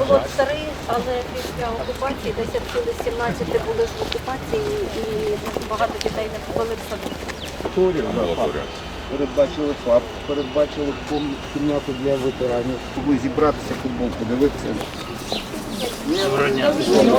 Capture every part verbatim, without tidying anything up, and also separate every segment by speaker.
Speaker 1: Було три, але після окупації, десь відсюди сімнадцяти були ж в окупації і багато дітей не попали в садок.
Speaker 2: Передбачили ФАП, передбачили кімнату для ветеранів. Могли зібратися, футбол подивитися.
Speaker 3: Доброго дня.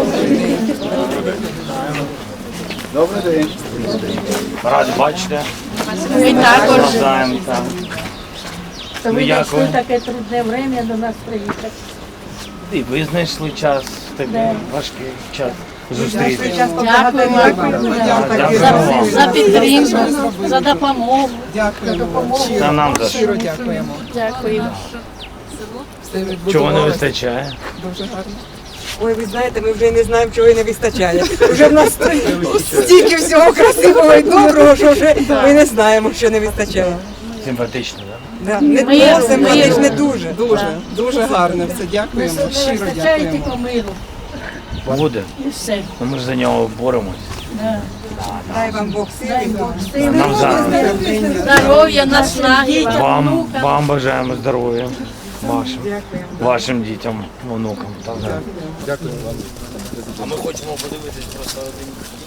Speaker 2: Добрий день.
Speaker 3: Раді бачите.
Speaker 4: Ми також.
Speaker 3: Навзаєм, так.
Speaker 1: То
Speaker 3: Ну,
Speaker 1: ви
Speaker 3: як
Speaker 1: знайшли
Speaker 3: ви?
Speaker 1: таке трудне время до нас приїхати.
Speaker 3: І ви знайшли час в такий важкий час зустрітися.
Speaker 4: Дякуємо за, за підтримку, за допомогу.
Speaker 5: Дякуємо.
Speaker 3: Та нам за
Speaker 5: Щиро
Speaker 3: що.
Speaker 5: дякуємо.
Speaker 4: Дякуємо.
Speaker 5: Все
Speaker 3: Чого не
Speaker 5: відбудувалося
Speaker 3: вистачає?
Speaker 5: дуже гарно. Ой, ви знаєте, ми вже не знаємо, чого і не вистачає. Вже в нас стільки всього красивого і доброго, що вже ми не знаємо, що не вистачає.
Speaker 3: Симпатично, так?
Speaker 5: Да. Не
Speaker 4: Ми-
Speaker 5: просимо,
Speaker 4: ми-
Speaker 5: але ж не дуже. Дуже, дуже гарно все. Дякуємо.
Speaker 1: Не
Speaker 5: Щиро
Speaker 1: вистачає
Speaker 5: дякуємо.
Speaker 1: тільки миру.
Speaker 3: Буде.
Speaker 1: І все.
Speaker 3: Ну, ми ж за нього боремось.
Speaker 5: Дай вам Бог
Speaker 1: Дай
Speaker 5: сили.
Speaker 1: Бог сили.
Speaker 3: Нам за
Speaker 4: Здоров'я, наснаги.
Speaker 3: вам, вам бажаємо здоров'я. Вашим,
Speaker 5: Дякуємо.
Speaker 3: вашим дітям, онукам. Так, так.
Speaker 2: Дякую вам.
Speaker 3: А ми хочемо подивитись просто один.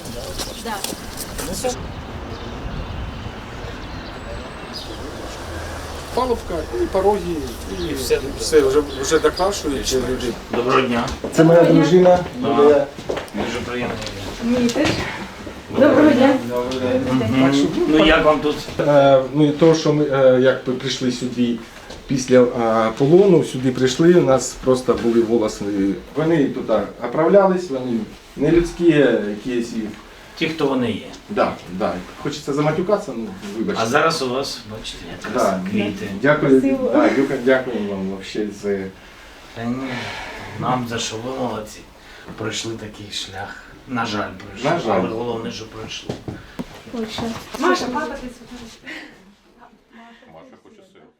Speaker 2: Палубка і порозі, і
Speaker 3: все.
Speaker 2: все, вже, вже докрашують люди.
Speaker 3: Доброго дня.
Speaker 2: Це моя дружина. Юлія.
Speaker 3: Дуже приємно.
Speaker 1: Доброго дня.
Speaker 3: Мгм. Ну як вам тут?
Speaker 6: Е, Ну і то, що ми е, як ми прийшли сюди після е, полону, сюди прийшли, у нас просто були волоси. Вони тут оправлялись, вони не людські, якісь. і-
Speaker 3: Ті, хто вони є.
Speaker 6: Да, да. Хочеться заматюкатися, ну вибачте.
Speaker 3: А зараз у вас, бачите, якраз
Speaker 6: Да.
Speaker 3: квіти.
Speaker 6: Дякую, да, дякую, дякую вам вообще за.
Speaker 3: Та ні, нам за що ви молодці. Пройшли такий шлях. На жаль, пройшли.
Speaker 6: На жаль.
Speaker 3: Але головне, що пройшли.
Speaker 1: Ой, що.
Speaker 7: Маша, папа, ти сфотографуєш. Маша хоче сир.